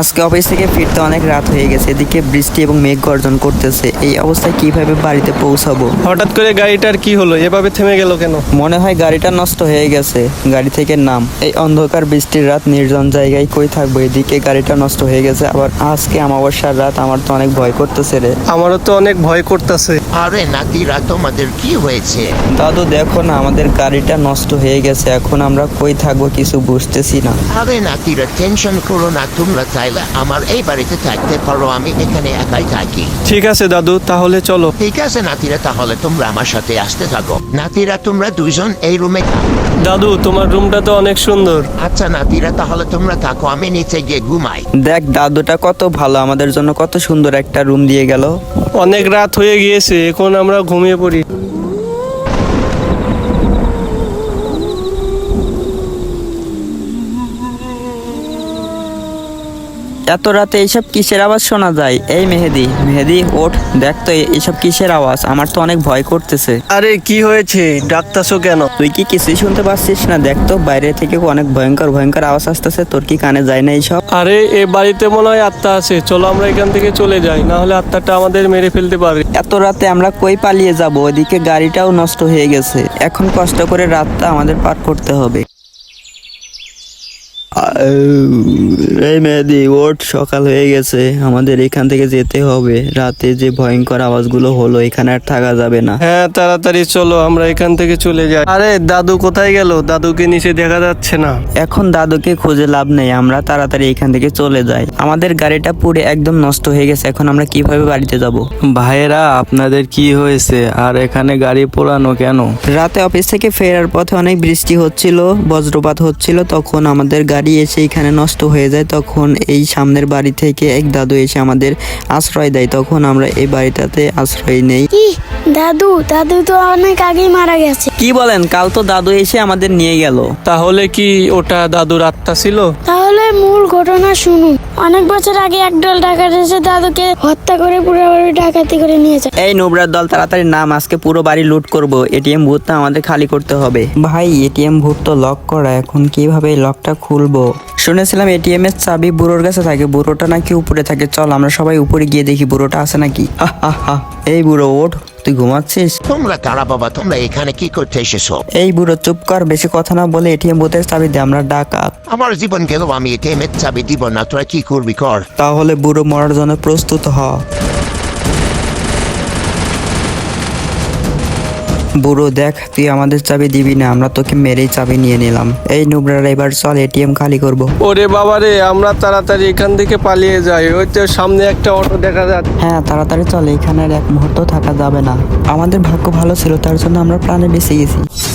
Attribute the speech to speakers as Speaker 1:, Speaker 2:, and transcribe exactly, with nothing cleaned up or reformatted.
Speaker 1: আজকে অফিস থেকে ফিরতে অনেক রাত হয়ে গেছে, এদিকে বৃষ্টি এবং মেঘ গর্জন করতেছে। এই অবস্থায় কিভাবে বাড়িতে পৌঁছাবো?
Speaker 2: হঠাৎ করে গাড়িটার কি হলো, এভাবে থেমে গেল কেন?
Speaker 1: মনে হয় গাড়িটা নষ্ট হয়ে গেছে। গাড়ি থেকে নাম। এই অন্ধকার বৃষ্টির রাত, নির্জন জায়গায় কই থাকবো? এদিকে গাড়িটা নষ্ট হয়ে গেছে, আবার আজকে অমাবস্যার রাত। আমার তো অনেক ভয় করতেছে রে।
Speaker 2: আমারও তো অনেক ভয় করতেছে।
Speaker 3: আরে নাতিরা, তোমাদের কি হয়েছে?
Speaker 1: দাদু দেখো না, আমাদের গাড়িটা নষ্ট হয়ে গেছে। এখন আমরা কই থাকবো কিছু বুঝতেছি না।
Speaker 3: আরে নাতিরা, টেনশন করো না। তোমরা চাইলে আমার এই বাড়িতে থাকতে পারো, আমি এখানে একাই থাকি।
Speaker 2: ঠিক আছে দাদু, তাহলে চলো।
Speaker 3: ঠিক আছে নাতিরা, তাহলে তোমরা আমার সাথে আসতে থাকো। নাতিরা, তোমরা দুইজন এই রুমে থাকো।
Speaker 2: দাদু, তোমার রুমটা তো অনেক সুন্দর।
Speaker 3: আচ্ছা নাতিরা, তাহলে তোমরা থাকো, আমি নিচে গিয়ে ঘুমাই।
Speaker 1: দেখ দাদুটা কত ভালো, আমাদের জন্য কত সুন্দর একটা রুম দিয়ে গেল।
Speaker 2: অনেক রাত হয়ে গিয়েছে, এখন আমরা ঘুমিয়ে পড়ি।
Speaker 1: এত রাতে এইসব কিসের আওয়াজ শোনা যায়? এই মেহেদি, মেহেদি ওঠ, দেখ তো এইসব কিসের আওয়াজ? আমার তো অনেক ভয় করতেছে।
Speaker 2: আরে কি হয়েছে, ডাকতাছো কেন?
Speaker 1: তুই কি কিছুই শুনতে পাচ্ছিস না? দেখ তো বাইরে থেকে অনেক ভয়ঙ্কর ভয়ঙ্কর আওয়াজ আসতেছে। তোর কি কানে যায় না এইসব?
Speaker 2: আরে এ বাড়িতে মনে হয় আত্মা আছে, চলো আমরা এখান থেকে চলে যাই, না হলে আত্মাটা আমাদের মেরে ফেলতে পারে।
Speaker 1: এত রাতে আমরা কই পালিয়ে যাব? ওইদিকে গাড়িটাও নষ্ট হয়ে গেছে। এখন কষ্ট করে রাতটা আমাদের পার করতে হবে। এই মেহেদি ওঠ, সকাল হয়ে গেছে, আমাদের এখান থেকে যেতে হবে। রাতে যে ভয়ঙ্কর আওয়াজগুলো হলো, এখানে আর থাকা যাবে না।
Speaker 2: হ্যাঁ তাড়াতাড়ি চলো, আমরা এখান থেকে চলে যাই। আরে দাদু কোথায় গেল? দাদুকে নিচে দেখা যাচ্ছে না।
Speaker 1: এখন দাদুকে খুঁজে লাভ নেই, আমরা তাড়াতাড়ি এখান থেকে চলে যাই। আমাদের গাড়িটা পুরো একদম নষ্ট হয়ে গেছে, এখন আমরা কিভাবে বাড়িতে যাব?
Speaker 4: ভাইয়েরা, আপনাদের কি হয়েছে আর এখানে গাড়ি পোড়ানো কেন?
Speaker 1: রাতে অফিস থেকে ফেরার পথে অনেক বৃষ্টি হচ্ছিল, বজ্রপাত হচ্ছিল, তখন আমাদের গাড়ি এসে এখানে নষ্ট হয়ে যায়। তখন এই সামনের বাড়ি থেকে এক দাদু এসে আমাদের আশ্রয় দেয়, তখন আমরা এই বাড়িটাতে আশ্রয় নেই।
Speaker 5: কি দাদু? দাদু তো অনেক আগেই মারা গেছে।
Speaker 1: কি বলেন? কাল তো দাদু এসে আমাদের নিয়ে গেল।
Speaker 2: তাহলে কি ওটা দাদুর আত্মা ছিল?
Speaker 5: তাহলে মূল ঘটনা শুনুন। অনেক বছর আগে একদল ডাকাত এসে দাদুকে হত্যা করে পুরো বাড়ি ডাকাতি করে নিয়ে যায়।
Speaker 1: এই নোবরার দল, তাড়াতাড়ি নাম, আজকে পুরো বাড়ি লুট করব। এটিএম ভূতটা আমাদের খালি করতে হবে। ভাই, এটিএম ভূত তো লক করা, এখন কিভাবে এই লকটা খুলবো? শুনেছিলাম এটিএম এর চাবি বুড়োর কাছে থাকে, বুড়োটা নাকি উপরে থাকে। চল আমরা সবাই উপরে গিয়ে দেখি বুড়োটা আছে নাকি। হা হা হা। এই বুড়ো ওঠ, তুই ঘুমাচ্ছিস?
Speaker 3: তোমরা কারা বাবা? তোমরা এখানে কি করতে এসেছো?
Speaker 1: এই বুড়ো চুপ কর, বেশি কথা না বলে এটিএম ভূতের চাবি দে, আমরা ডাকাত।
Speaker 3: আমার জীবন গেল, আমি এটিএমের চাবি দিব না। তোরা কি করবি কর।
Speaker 1: তাহলে বুড়ো মরার জন্য প্রস্তুত হ। বুড়ো দেখ, তুই আমাদের চাবি দিবি না, আমরা তোকে মেরেই চাবি নিয়ে নিলাম। এই নুবরারা, এবার চল এটিএম খালি করব।
Speaker 2: ওরে বাবারে, আমরা তাড়াতাড়ি এখান থেকে পালিয়ে যাই। ওই তো সামনে একটা অটো দেখা যাচ্ছে।
Speaker 1: হ্যাঁ তাড়াতাড়ি চল, এখানে আর এক মুহূর্ত থাকা যাবে না। আমাদের ভাগ্য ভালো ছিল, তার জন্য আমরা প্রাণে বেঁচে গেছি।